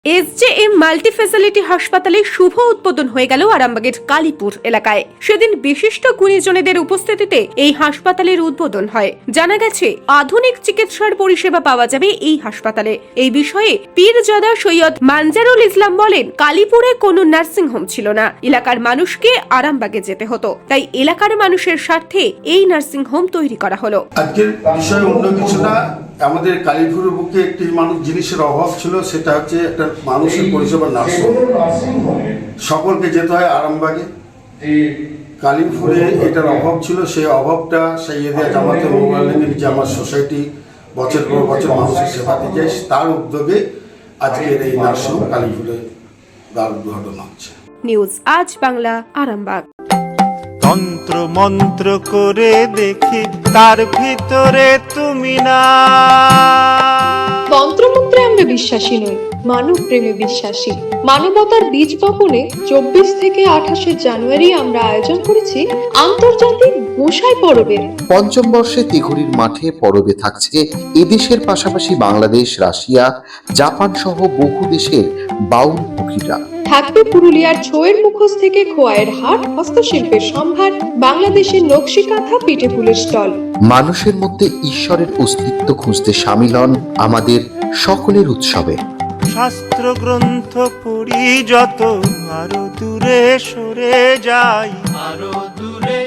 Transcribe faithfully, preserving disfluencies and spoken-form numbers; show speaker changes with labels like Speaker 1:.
Speaker 1: এসজেএম multi facility হাসপাতালে শুভ উদ্বোধন হয়ে গেল আরামবাগের কালীপুর এলাকায়। সেদিন বিশিষ্ট গুণীজনেদের উপস্থিতিতে এই হাসপাতালের উদ্বোধন হয়। জানা গেছে আধুনিক চিকিৎসার পরিষেবা পাওয়া যাবে এই হাসপাতালে। এই বিষয়ে পীরজাদা সৈয়দ মানজারুল ইসলাম বলেন, কালীপুরে কোনো নার্সিং হোম ছিল না, এলাকার মানুষকে আরামবাগে যেতে হতো, তাই এলাকার মানুষের স্বার্থে এই নার্সিং হোম তৈরি করা হলো।
Speaker 2: আজকের বিষয় অন্য কিছু না, আমাদের কালীপুরের বুকে একটি মানুষ জিনিসের অভাব ছিল, সেটা হচ্ছে একটা মানুষের পরিষেবা নার্সিং হোম। সকলকে যেতে হয় আরামবাগে। কালীপুরে এটার অভাব ছিল, সেই অভাবটা সৈয়দিয়া জামাতে মোবাইলের যে আমার সোসাইটি বছর পর বছর মানুষের সেবা দিতে যায়, তার উদ্যোগে আজকের এই নার্সিং হোম কালীপুরে তার উদ্বোধন হচ্ছে।
Speaker 1: নিউজ আজ বাংলা, আরামবাগ।
Speaker 3: তন্ত্র মন্ত্র করে দেখি তার ভিতরে তুমি না।
Speaker 4: তন্ত্রমন্ত্রে আমরা বিশ্বাসী নই, মানব প্রেমে বিশ্বাসী। মানবতার বীজ বপনে চব্বিশ থেকে আঠাশে জানুয়ারি আমরা আয়োজন করেছি আন্তর্জাতিক গোসাই পরবের।
Speaker 5: পঞ্চম বর্ষে তিঘুরির মাঠে পরবে থাকছে এদেশের পাশাপাশি বাংলাদেশ, রাশিয়া, জাপান সহ বহু দেশের বাউল পুকিরা।
Speaker 4: থাকবে পুরুলিয়ার ছোয়ের মুখোশ থেকে খোয়াইয়ের হাট, হস্তশিল্পের সম্ভার, বাংলাদেশের নকশি কাঁথা, পিঠে ফুলের স্টল।
Speaker 5: মানুষের মধ্যে ঈশ্বরের অস্তিত্ব খুঁজতে সামিল হন আমাদের সকলের উৎসবে।
Speaker 3: শাস্ত্র গ্রন্থ পড়ি যত, আরো দূরে সরে যাই, আরো দূরে